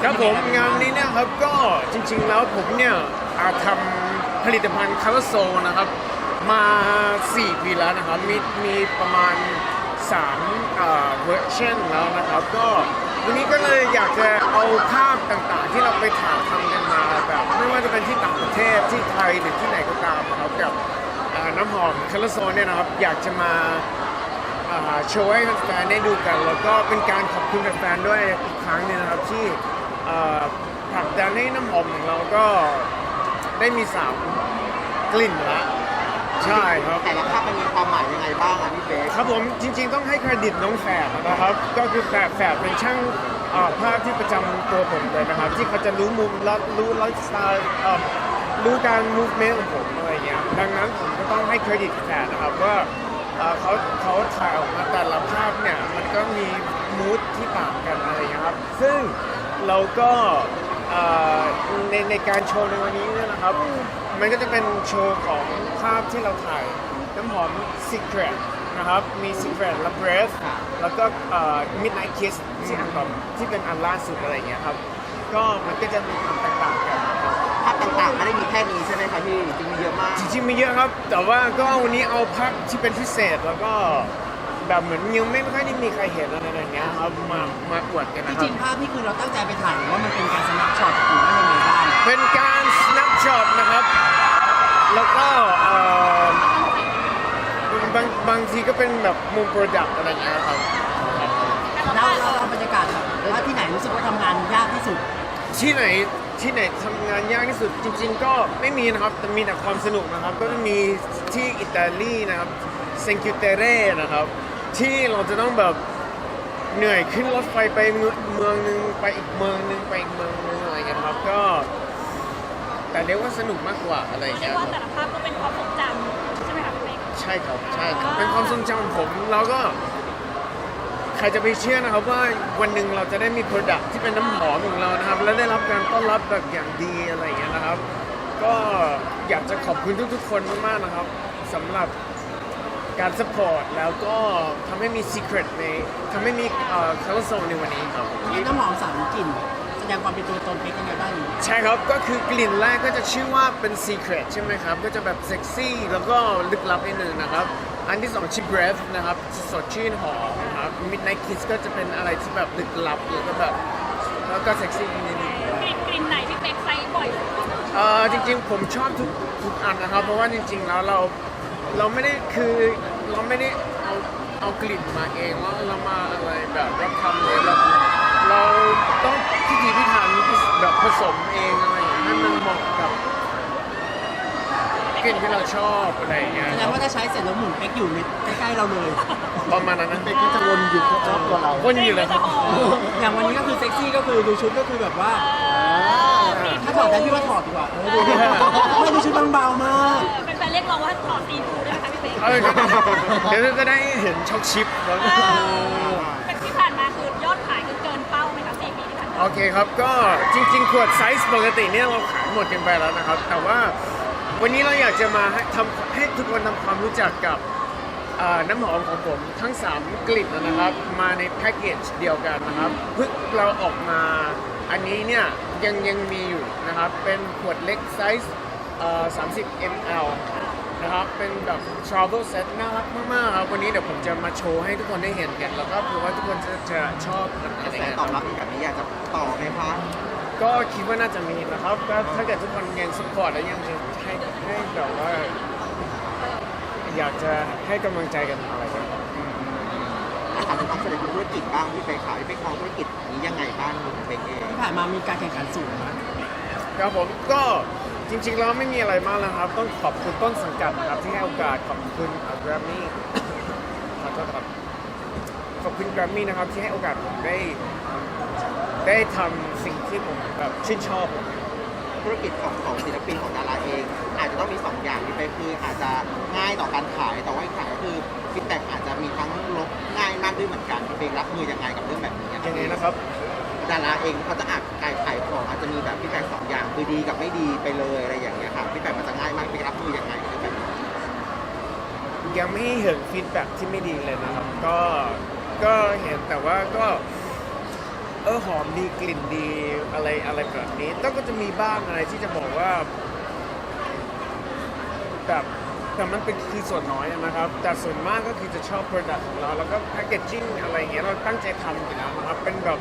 ครับผมงานนี้เนี่ยครับก็จริงๆแล้วผมเนี่ยทำผลิตภัณฑ์ Color Soul นะครับมา 4 ปีแล้วนะครับมีประมาณ3เวอร์ชันแล้วนะครับก็วันนี้ก็เลยอยากจะเอาภาพต่างๆที่เราไปถ่ายทำกันมาแบบไม่ว่าจะเป็นที่ต่างประเทศที่ไทยหรือที่ไหนก็ตามนะครับกับน้ำหอม Color Soul เนี่ยนะครับอยากจะมาโชว์ให้แฟนๆได้ดูกันแล้วก็เป็นการขอบคุณแฟนๆด้วยอีกครั้งหนึงนะครับที่ผลักดันให้น้ำหอมของเราก็ได้มี3 กลิ่นละใช่ครับแต่ละภาพมันมีความหมายยังไงบ้างอ่ะพี่เบสครับผมจริงๆต้องให้เครดิตน้องแฝดนะครับก็คือแฝดเป็นช่างภาพที่ประจำตัวผมเลยนะครับที่เขาจะรู้มุมและรู้ไลฟ์สไตล์รู้การมูฟเมนต์ของผมอะไรเงี้ยดังนั้นผมก็ต้องให้เครดิตแฝดนะครับว่าเขาถ่ายออกมาแต่ละภาพเนี่ยมันก็มีมูดที่ต่างกันอะไรอย่างเงี้ยครับซึ่งเราก็ในการโชว์ในวันนี้เนี่ยนะครับมันก็จะเป็นโชว์ของภาพที่เราถ่ายน้ำหอม Secret นะครับมี Secret และ Breath แล้วก็Midnight Kiss ที่อันต่อที่เป็นอันล่าสุดอะไรอย่างเงี้ยครับก็มันก็จะมีความแตกต่างกันภาพต่างๆไม่ได้มีแค่นี้ใช่ไหมคะพี่จริงมีเยอะมากจริงๆมีเยอะครับ แต่ว่าก็วันนี้เอาภาพที่เป็นพิเศษแล้วก็แบบเหมือนยังไม่ค่อยได้มีใครเห็นอะไรอย่างเงี้ยครับมาอวดกันจนะครัริบงๆภาพนี่คือเราตั้งใจไปถ่ายหรือว่ามันเป็นการสแนปช็อตหรือว่ายังไงบ้างเป็นการ snapshot นะครับ แล้วก็บางทีก็เป็นแบบมุมโปรดักต์อะไรอย่างเงี้ยครับเราบรรยากาศแบบว่าที่ไหนรู้สึกว่าทำงานยากที่สุดที่ไหนทำงานยากที่สุดจริงๆก็ไม่มีนะครับแต่มีแต่ความสนุกนะครับก็จะมีที่อิตาลีนะครับเซนคิวเตเร่นะครับที่เราจะต้องแบบเหนื่อยขึ้นรถไฟไปเมืองนึงไปอีกเมืองนึงไปอีกเมืองนึงอะไรอย่างเงี้ยครับก็แต่เรียกว่าสนุกมากกว่าอะไรอย่างเรียเงี้กยว่าแต่ละภาพก็เป็นความทรงจำใช่ไหมคะพี่เป๊กใช่ครับใช่ครับเป็นความทรงจำของผมเราก็ใครจะไปเชื่อนะครับว่าวันหนึ่งเราจะได้มี Product ที่เป็นน้ำหอมของเรานะครับและได้รับการต้อนรับแบบอย่างดีอะไรอย่างเงี้ยนะครับ ก็อยากจะขอบคุณทุกๆคนมากๆนะครับสำหรับการสปอร์ตแล้วก็ทำให้มี Secret ในทำให้มีColor Soul ในวันนี้ครับมีน้ำหอม3 กลิ่นแสดงความเป็นตัวตนเป็นยังไงบ้างใช่ครับก็คือกลิ่นแรกก็จะชื่อว่าเป็น Secret ใช่ไหมครับก็จะแบบเซ็กซี่แล้วก็ลึกลับนิดนึงนะครับอันที่2ชื่อ Breath นะครับสดชื่นหอมครับ Midnight Kiss ก็จะเป็นอะไรที่แบบลึกลับแล้วก็เซ็กซี่นิดนึงกลิ่นไหนพี่เป๊กใช้บ่อยสุดจริงๆผมชอบทุกอันนะครับเพราะว่าจริงๆแล้วเราไม่ได้เอากลิ่นมาเองว่าเรามาอะไรแบบรับทำเลยเราต้องพิถีพิถันแบบผสมเองอะไรอย่างเงี้ยให้มันเหมาะกับกลิ่นที่เราชอบอะไรอย่างเงี้ยแสดงว่าถ้าใช้เสร็จแล้วหมุนเป๊กอยู่ใกล้ๆเราเลยประมาณนั้นนะเป็นก็จะวนอยู่รอบตัวเราวนอยู่เลยครับอย่างวันนี้ก็คือเซ็กซี่ก็คือดูชุดก็คือแบบว่าถ้าถอดได้พี่ว่าถอดดีกว่าดูไม่ดูชุดบางเบามากเป็นแฟนเรียกร้องว่าถอดซีทูได้ไหมคะพี่เป๊กเดี๋ยวจะได้เห็นช็อกชิปแล้วเป็นที่ผ่านมาคือยอดขายคือเกินเป้าไหมคะ4 ปีที่ผ่านมาโอเคครับก็จริงๆขวดไซส์ปกติเนี่ยเราขายหมดกันไปแล้วนะครับแต่ว่าวันนี้เราอยากจะมาให้ทุกคนทำความรู้จักกับน้ำหอมของผมทั้ง 3 กลิ่นนะครับมาในแพ็กเกจเดียวกันนะครับเพิ่งเราออกมาอันนี้เนี่ยยังมีอยู่นะครับเป็นขวดเล็กไซส์30 ml นะครับเป็นแบบ travel set น่ารักมากๆครับวันนี้เดี๋ยวผมจะมาโชว์ให้ทุกคนได้เห็นกันแล้วก็เผื่อว่าทุกคนจะชอบกันกอะระไรแสเงี้ยตอบรับแบบนี้อยากจะต่อไหมคะก็คิดว่าน่าจะมีนะครับก็ถ้าเกิดทุกคนยังสปอร์ตและยังจะให้แบบว่า อยากจะให้กำลังใจกันอะไรกันถามถึงความสำเร็จของธุรกิจบ้างพี่เบสขายพี่เบสมองธุรกิจนี้ยังไงบ้างพี่เบสเองที่ผ่านมามีการแข่งขันสูงนะครับผมก็จริงๆแล้วไม่มีอะไรมากแล้วครับต้องขอบคุณต้นสังกัดนะครับที่ให้โอกาสขอบคุณแกรมมี่ขอโทษครับขอบคุณแกรมมี่นะครับที่ให้โอกาสผมได้ทำสิ่งที่ผมแบบชื่นชอบธุรกิจของศิลปินของดาราเอง อาจจะต้องมี2อย่างพี่เบสคืออาจจะง่ายต่อการขายแต่ว่าอีกอย่างก็คือฟีดแบ็กอาจจะมีทั้งลบง่ายมากด้วยเหมือนกันพี่เบสรับมือยังไงกับเรื่องแบบนี้ยังไงนะครับดาราเองเขาจะอาจขายของอาจจะมีแบบฟีดแบ็ก2อย่างคือดีกับไม่ดีไปเลยอะไรอย่างเงี้ยค่ะฟีดแบ็กมันจะง่ายมากพี่รับมือยังไงกับเรื่องแบบนี้ยังไม่เห็นฟีดแบ็กที่ไม่ดีเลยนะครับก็เห็นแต่ว่าก็หอมดีกลิ่นดีอะไรแบบนี้ก็จะมีบ้างอะไรที่จะบอกว่าแบบแต่มันเป็นคือส่วนน้อยนะครับแต่ส่วนมากก็คือจะชอบ product ของเราแล้วก็ packaging อะไรอย่างเงี้ยเราตั้งใจทำอยู่แล้วนะครับเป็นแบบ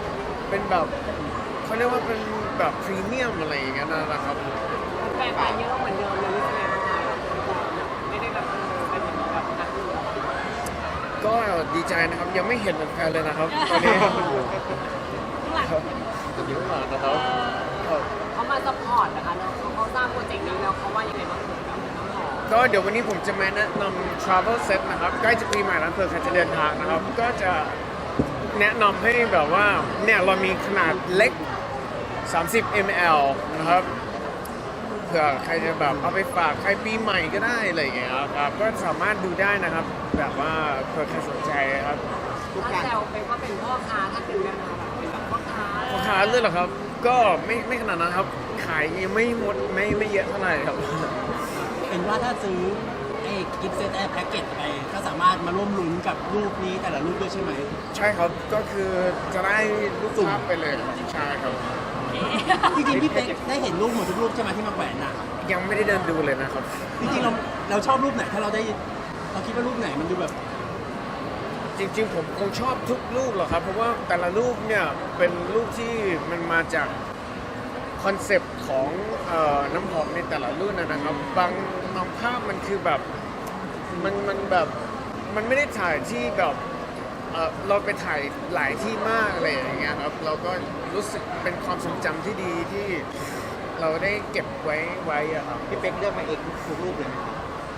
เขาเรียกว่าเป็นแบบพรีเมียมอะไรอย่างเงี้ยนะครับแฟนไปเยอะเหมือนเดิมเลยรู้สึกไงบ้างคะไม่ได้แบบเป็นแบบนักเรียนก็ดีใจนะครับยังไม่เห็นแฟนเลยนะครับตอนนี้ข้างหลังจะเยอะมากนะครับครับเขามาซัพพอร์ตนะคะแล้วเขาสร้างโปรเจกต์นี้แล้วเขาว่ายังไงบ้างกับน้ำหอมก็เดี๋ยววันนี้ผมจะมาแนะนำ travel set นะครับใกล้จะปีใหม่แล้วเผื่อใครจะเดินทางนะครับก็จะแนะนำให้แบบว่าเนี่ยเรามีขนาดเล็ก 30 ml นะครับเผื่อใครจะแบบเอาไปฝากใครปีใหม่ก็ได้อะไรอย่างเงี้ยครับก็สามารถดูได้นะครับแบบว่าเผื่อใครสนใจครับทุกอถ้าย่างแซวเป็นว่าเป็นพ่อค้าท่านหนึ่งนะคะแบบเป็นแบบพ่อค้าพ่อค้าเลยเหรอครับก็ไม่ขนาดนั้นครับขายยังไม่หมดไม่เยอะเท่าไหร่ครับเห็นว่าถ้าซื้อไอ้กิฟต์เซตแพ็กเกจไปก็สามารถมาร่วมลุ้นกับรูปนี้แต่ละรูปด้วยใช่ไหมใช่ครับก็คือจะได้รูปภาพไปเลยครับใช่ครับจริงๆพี่เป๊กได้เห็นรูปหมดทุกรูปใช่ไหมที่มาแขวนน่ะยังไม่ได้เดินดูเลยนะครับจริงๆเราชอบรูปไหนถ้าเราคิดว่ารูปไหนมันดูแบบจริงๆผมคงชอบทุกรูปหรอกครับ เพราะว่าแต่ละรูปเนี่ยเป็นรูปที่มันมาจากคอนเซปต์ของน้ำหอมในแต่ละรุ่นนะครับบางภาพมันคือแบบมันแบบมันไม่ได้ถ่ายที่แบบเราไปถ่ายหลายที่มากอะไรอย่างเงี้ยครับเราก็รู้สึกเป็นความทรงจำที่ดีที่เราได้เก็บไว้อะครับพี่เป๊กเลือกมาเองทุกรูปเลยไหมครับ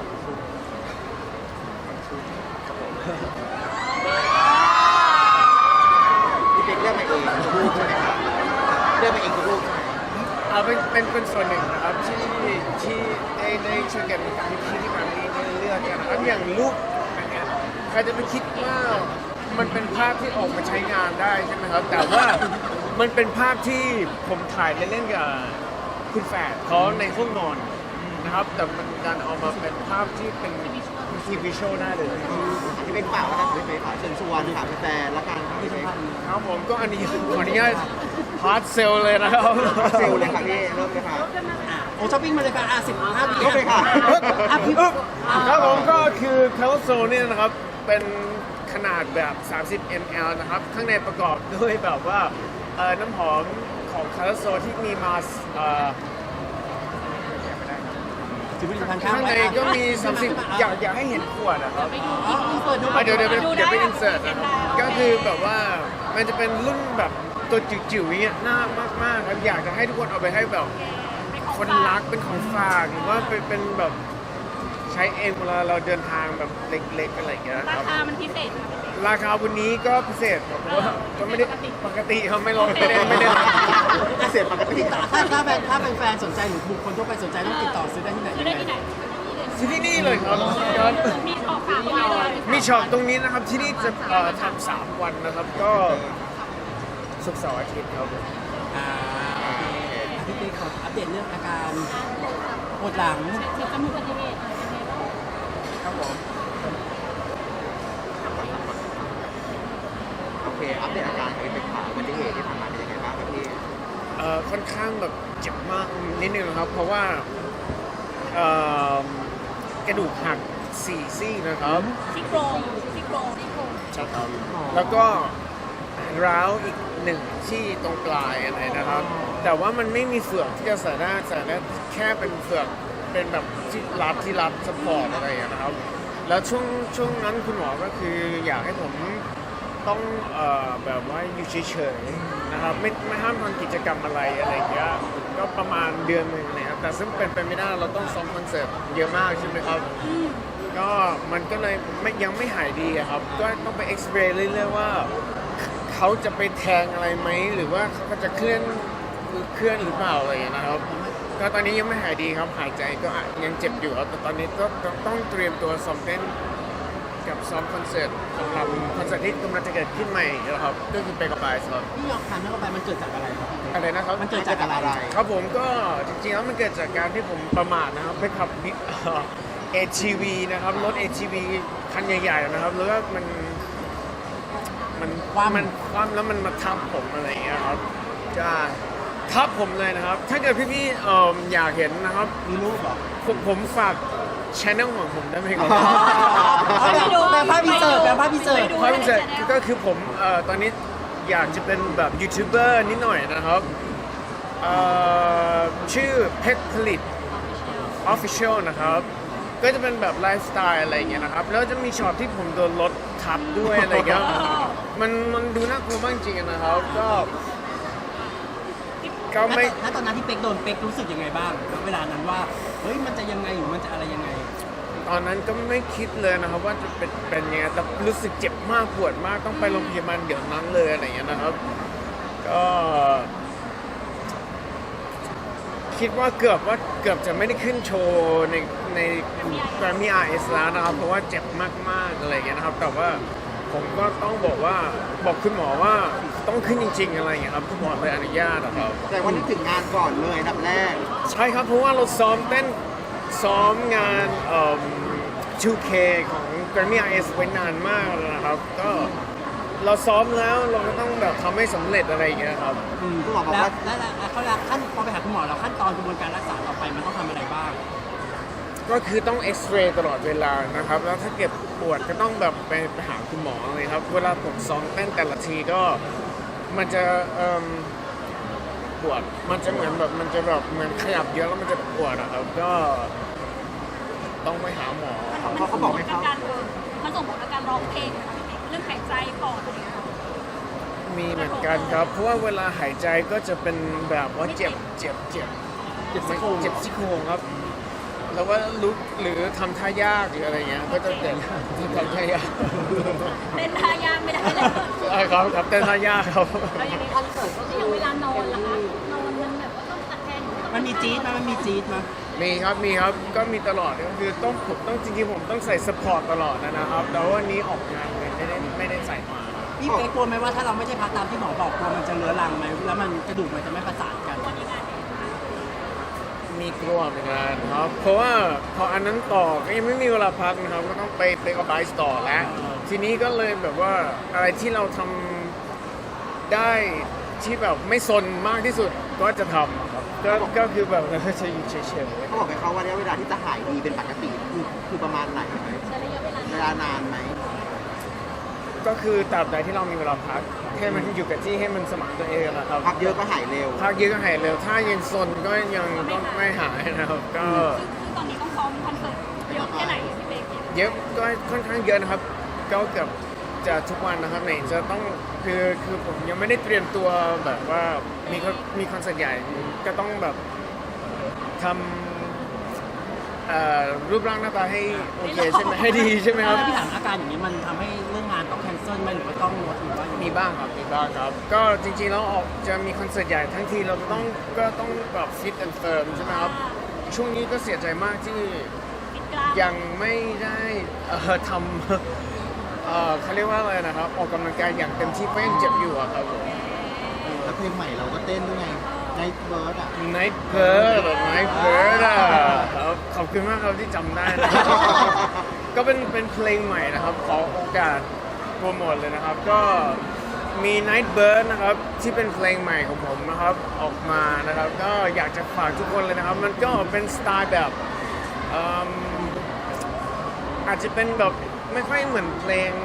พี่เป๊กเลือกมาเองทุกรูปใช่ไหมครับเลือกมาเองทุกรูปใช่ไหมเป็นส่วนหนึ่งนะครับที่ได้ช่วยกันกับพี่ที่มาที่เลือกกันนะครับอย่างรูปอันเนี้ยใครจะไปคิดว่ามันเป็นภาพที่ออกมาใช้งานได้ใช่ไหมครับแต่ว่ามันเป็นภาพที่ผมถ่ายเล่นๆกับคุณแฝดเขาในห้องนอนนะครับแต่มันการเอามาเป็นภาพที่เป็นทีวีโชว์ได้เลยพี่เป๊กฝากแล้วกันพี่เป๊กฝากเชิญชวนค่ะแฟนๆละกันค่ะพี่เป๊กครับผมก็อันนี้ขออนุญาตฮาร์ดเซลเลยนะครับเซลลเลยค่ะพี่เริ่มเลยค่ะโอ้ช้อปปิ้งมาเลยค่ะ15วิเริ่มเลยค่ะพี่ครับผมก็คือเคลโซเนี่ยนะครับเป็นขนาดแบบ 30 ml นะครับ ข้างในประกอบด้วยแบบว่าน้ำหอมของเคลโซที่มีมาถือผลิตภัณฑ์ข้างข้างในก็มี 30 อยากให้เห็นขวดนะครับเปิดดูเดี๋ยวไปอินเสิร์ตนะก็คือแบบว่ามันจะเป็นรุ่นแบบตัวจิ๋วๆอย่างเงี้ยน่ามากๆครับอยากจะให้ทุกคนเอาไปให้แบบคนรักเป็นของฝากหรือว่าเป็นแบบใช้เองเวลาเราเดินทางแบบเล็กๆอะไรอย่างเงี้ยราครับคามันพิเศษนะราคาวันนี้ก็พิเศษครับเพราะว่าก็ไม่ได้ปกติเขาไม่ลดไม่ได้เสร็จปกติถ้าเป็นแฟนสนใจหรือบุคคลทั่วไปสนใจต้องติดต่อซื้อได้ที่ไหนซื้อได้ที่ไหนที่นี่เลยครับมีของฝากตรงนี้เลยมีช็อปตรงนี้นะครับที่นี่จะทำ3 วันนะครับ ก็ศุกร์เสาร์อาทิตย์ครับพี่เป๊กขออัปเดตเรื่องอาการปวดหลังเสียจมูกอุบัติเหตุเป็นไงบ้างครับผมโอเคอัปเดตอาการของพี่เป๊กค่ะอุบัติเหตุที่ผ่านมาเป็นยังไงบ้างครับพี่ค่อนข้างแบบเจ็บมากนิดนึงนะครับ เพราะว่ากระดูกหัก4 ซี่นะครับซี่โครงใช่ครับแล้วก็ร้าวอีก1ที่ตรงปลายอะไรนะครับ แต่ว่ามันไม่มีเฟือกที่จะใส่ได้แค่เป็นเฟือกเป็นแบบที่รัดสปอร์ตอะไรอย่างเงี้ยนะครับ แล้วช่วงนั้นคุณหมอก็คืออยากให้ผมต้องแบบว่าอยู่เฉยๆนะครับไม่ห้ามทำกิจกรรมอะไรอย่างเงี้ยก็ประมาณเดือนหนึ่งนะครับแต่ซึ่งเป็นไปไม่ได้เราต้องซ้อมคอนเสิร์ตเยอะมากใช่ไหมครับ ก็มันก็เลยยังไม่หายดีอะครับ ก็ต้องไปเอ็กซเรย์เรื่อยๆว่าเขาจะไปแทงอะไรไหมหรือว่าเขาก็จะเคลื่อนหรือเปล่าอะไรอย่างเงี้ยนะครับ ก็ตอนนี้ยังไม่หายดีครับหายใจก็ยังเจ็บอยู่ครับแต่ตอนนี้ก็ต้องเตรียมตัวซ้อมเต้นกับซ้อมคอนเสิร์ตสำหรับคอนเสิร์ตที่กำลังจะเกิดขึ้นใหม่นะครับก็คือไปกับไบส์ครับที่ยอมทานเข้าไปมันเกิดจากอะไรครับอะไรนะครับมันเกิดจากอะไรครับผมก็จริงๆแล้วมันเกิดจากการที่ผมประมาทนะครับไปขับATV นะครับรถ ATV คันใหญ่ๆนะครับแล้วก็มันมันคว่ำแล้วมันมาทับผมอะไรอย่างเงี้ยครับจะทับผมเลยนะครับ ถ้าเกิดพี่ๆอยากเห็นนะครับมีรูปเหรอผมฝากช anel ของผมได้ไหมครับแปลภาพพิเศษแปลภาพพิเศษเพราะมันจะก็คือผมตอนนี้อยากจะเป็นแบบยูทูบเบอร์นิดหน่อยนะครับชื่อเพชรผลิต Official นะครับ ก็จะเป็นแบบไลฟ์สไตล์อะไรอย่างเงี้ยนะครับ แล้วจะมีช็อตที่ผมโดนรถทับด้วยอะไรอย่างเงี้ยมันดูน่ากลัวมากจริงๆนะครับ ก็ไม่ถ้าตอนนั้นที่เป็กโดนเป็กรู้สึกยังไงบ้างเวลานั้นว่าเฮ้ยมันจะยังไงหรือมันจะอะไรยังไงตอนนั้นก็ไม่คิดเลยนะครับว่าจะเป็นยังไงแต่รู้สึกเจ็บมากปวดมากต้องไปโรงพยาบาลเดี๋ยวนั้นเลยอะไรอย่างเงี้ยนะครับ ก็คิดว่าเกือบจะไม่ได้ขึ้นโชว์ใน Grammy RS แล้วนะครับ เพราะว่าเจ็บมากๆอะไรอย่างเงี้ยนะครับ แต่ว่าผมก็ต้องบอกคุณหมอว่าต้องขึ้นจริงๆอะไรอย่างเงี้ยครับคุณหมอเลยอนุญาตนะครับแต่ว่านึกถึงงานก่อนเลยอันดับแรกใช่ครับเพราะว่าเราซ้อมงาน 2K ของ Grammy RS ไว้นานมากแล้วนะครับ ก็เราซ้อมแล้วเราก็ต้องแบบทำให้สำเร็จอะไรอย่างเงี้ยครับคุณหมอบอกแล้วว่าเขาละขั้นพอไปหาคุณหมอแล้วขั้นตอนกระบวนการรักษาต่อไปมันต้องทำอะไรบ้างก็คือต้องเอ็กซเรย์ตลอดเวลานะครับ แล้วถ้าเก็บปวดก็ต้องแบบไปหาคุณหมอเลยครับ เวลาผมซ้อมเต้นแต่ละทีก็มันจะปวด มันจะเหมือนขยับเยอะแล้วมันจะปวดอะครับ ก็ต้องไปหาหมอเขาบอกไหมครับมันส่งผลกับการร้องเพลงนะคะพี่เป๊กเรื่องหายใจปอดอะไรอย่างเงี้ยค่ะมีเหมือนกันครับ เพราะว่าเวลาหายใจก็จะเป็นแบบว่าเจ็บซี่โครงครับ แล้วว่าลุกหรือทำท่ายากหรืออะไรเงี้ยก็จะเจ็บทำท่ายากเต้นท่ายากไม่ได้เลยใช่ครับเต้นท่ายากครับแล้วอย่างนี้คอนเสิร์ตก็คืออย่างเวลานอนล่ะคะนอนมันแบบว่าต้องตะแคงมันมีจี๊ดมั้ยมันมีจี๊ดมั้ยมีครับก็มีตลอดก็คือต้องจริงๆผมต้องใส่สปอร์ตตลอดนะครับแต่ว่าวันนี้ออกงานเลยไม่ได้ใส่มาพี่เป็กกลัวไหมว่าถ้าเราไม่ใช่พักตามที่หมอบอกกลัวมันจะเรื้อรังไหมแล้วมันกระดูกมันจะไม่ประสานกันวันนี้งานเนี่ยมีกลัวเหมือนกันครับ เพราะว่าพออันนั้นต่อก็ยังไม่มีเวลาพักนะครับก็ต้องไปกับไบส์ต่อแล้ว ทีนี้ก็เลยแบบว่าอะไรที่เราทำได้ที่แบบไม่ซนมากที่สุดก็จะทำครับก็คือแบบจะอยู่เฉยๆเขาบอกไหมครับว่าระยะเวลาที่จะหายดีเป็นปกติคือประมาณไหนไหมใช้ระยะเวลาเวลานานไหมก็คือตราบใดที่เรามีเวลาพักให้มันอยู่กับที่ให้มันสมานตัวเองนะครับพักเยอะก็หายเร็วพักเยอะก็หายเร็วถ้ายังซนก็ยังต้องไม่หายนะครับก็ซึ่งตอนนี้ต้องซ้อมคอนเสิร์ตเยอะแค่ไหนพี่เป๊กเนี่ยเยอะก็ค่อนข้างเยอะนะครับก็เกือบจะทุกวันนะครับไหนจะต้องคือผมยังไม่ได้เตรียมตัวแบบว่ามีคอนเสิร์ตใหญ่ก็ต้องแบบทำรูปร่างหน้าตาให้โอเคใช่ไหมให้ดีใช่ไหมครับแล้วพี่ถามอาการอย่างนี้มันทำให้เรื่องงานต้องแคนเซิลไหมหรือว่าต้องงดหรือว่ามีบ้างครับ ก็จริงๆแล้วออกจะมีคอนเสิร์ตใหญ่ทั้งทีเราก็ต้องแบบฟิตแอนด์เฟิร์มใช่ไหมครับ ช่วงนี้ก็เสียใจมากที่ปิดกล้ามยังไม่ได้ทำเขาเรียกว่าอะไรนะครับ ออกกำลังกายอย่างเต็มที่เพราะยังเจ็บอยู่อะครับผมแล้วเพลงใหม่เราก็เต้นด้วยไงในเบิร์ดอ่ะ Night Bird อะครับขอบคุณมากครับที่จำได้นะครับ ก็เป็นเพลงใหม่นะครับ ขอโอกาสโปรโมทเลยนะครับ ก็มี Night Bird นะครับ ที่เป็นเพลงใหม่ของผมนะครับ ออกมานะครับ ก็อยากจะฝากทุกคนเลยนะครับ มันก็เป็นสไตล์แบบอาจจะเป็นแบบไม่ค่อยเหมือนเพลง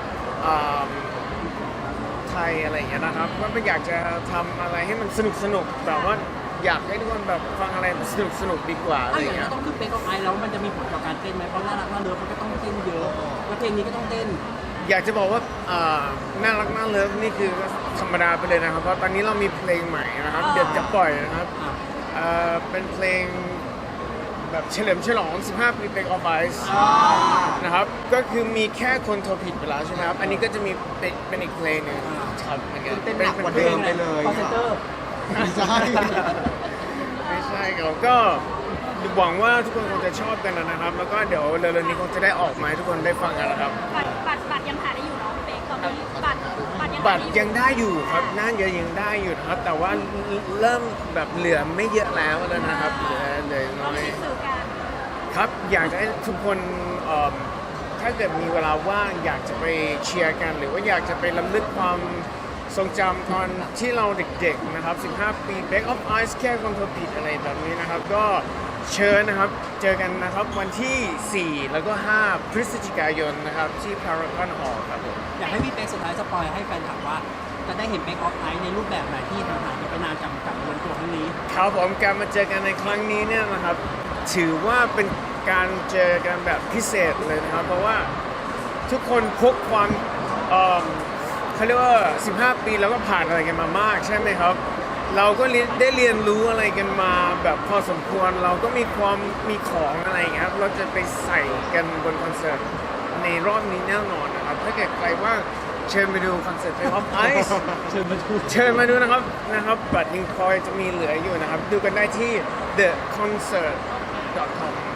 ไทยอะไรอย่างเงี้ยนะครับว่าอยากจะทำอะไรให้มันสนุกแบบว่าอยากให้ทุกคนแบบฟังอะไรสนุกดีกว่าอะไรถ้าออย่างย่างนี้เงี้ยต้องขึ้นเป็กออฟไอแล้วมันจะมีผลต่อการเต้นไหมเพราะน่ารักน่าเลิฟมันก็ต้องเต้นเยอะแล้วเพลงนี้ก็ต้องเต้นอยากจะบอกว่าน่ารักน่าเลิฟนี่คือธรรมดาไปเลยนะครับ เพราะตอนนี้เรามีเพลงใหม่นะครับ เดี๋ยวจะปล่อยนะครับเป็นเพลงแบบเฉลิมฉลอง 15 ปีเป็กออฟไอซ์นะครับ ก็คือมีแค่คนโทรผิดไปแล้วใช่ไหมครับ อันนี้ก็จะมีเป็นอีกเพลงหนึงครับเหมือนกันเต้นหนักกว่าเดิมไปเลยคอนเซนเตอร์ไม่ใช่ไม่ใช่ครับก็หวังว่าทุกคนคงจะชอบกันนะครับ แล้วก็เดี๋ยวเร็วๆนี้คงจะได้ออกมาให้ทุกคนได้ฟังกันนะครับบัตรยังหาได้อยู่เนาะพี่เป๊กตอนนี้บัตรยังบัตรยังได้อยู่ครับน่าจะยังได้อยู่นะครับ แต่ว่าเริ่มแบบเหลือไม่เยอะแล้วนะครับเหลือน้ต้อองยมีสื่อการครับ อยากจะให้ทุกคนถ้าเกิดมีเวลาว่างอยากจะไปเชียร์กัน หรือว่าอยากจะไปรำลึกความทรงจำตอนที่เราเด็กๆนะครับ15 ปี Break of Ice แค่คนโทรผิดอะไรแบบนี้นะครับ ก็เชิญนะครับเจอกันนะครับวันที่ 4 แล้วก็ 5 พฤศจิกายนนะครับที่ Paragon Hall ครับผมอยากให้พี่เป๊กสุดท้ายสปอยให้แฟนถามว่าจะได้เห็นเป๊กออฟไอซ์ในรูปแบบไหนที่ห่างหายกันไปนานกับรวมตัวครั้งนี้ครับผมการมาเจอกันในครั้งนี้เนี่ยนะครับถือว่าเป็นการเจอกันแบบพิเศษเลยนะครับ เพราะว่าทุกคนพกความเขาเรียกว่า 15 ปีแล้วก็ผ่านอะไรกันมามากใช่ไหมครับ เราก็ได้เรียนรู้อะไรกันมาแบบพอสมควรเราก็มีของอะไรอย่างเงี้ยครับเราจะไปใส่กันบนคอนเสิร์ตในรอบนี้แน่นอนนะครับถ้าเกิดใครว่างเชิญไปดูคอนเสิร์ต Break of Ice เชิญมาดูเชิญมาดูนะครับบัตรยังพอจะมีเหลืออยู่นะครับ ดูกันได้ที่ theconcert.com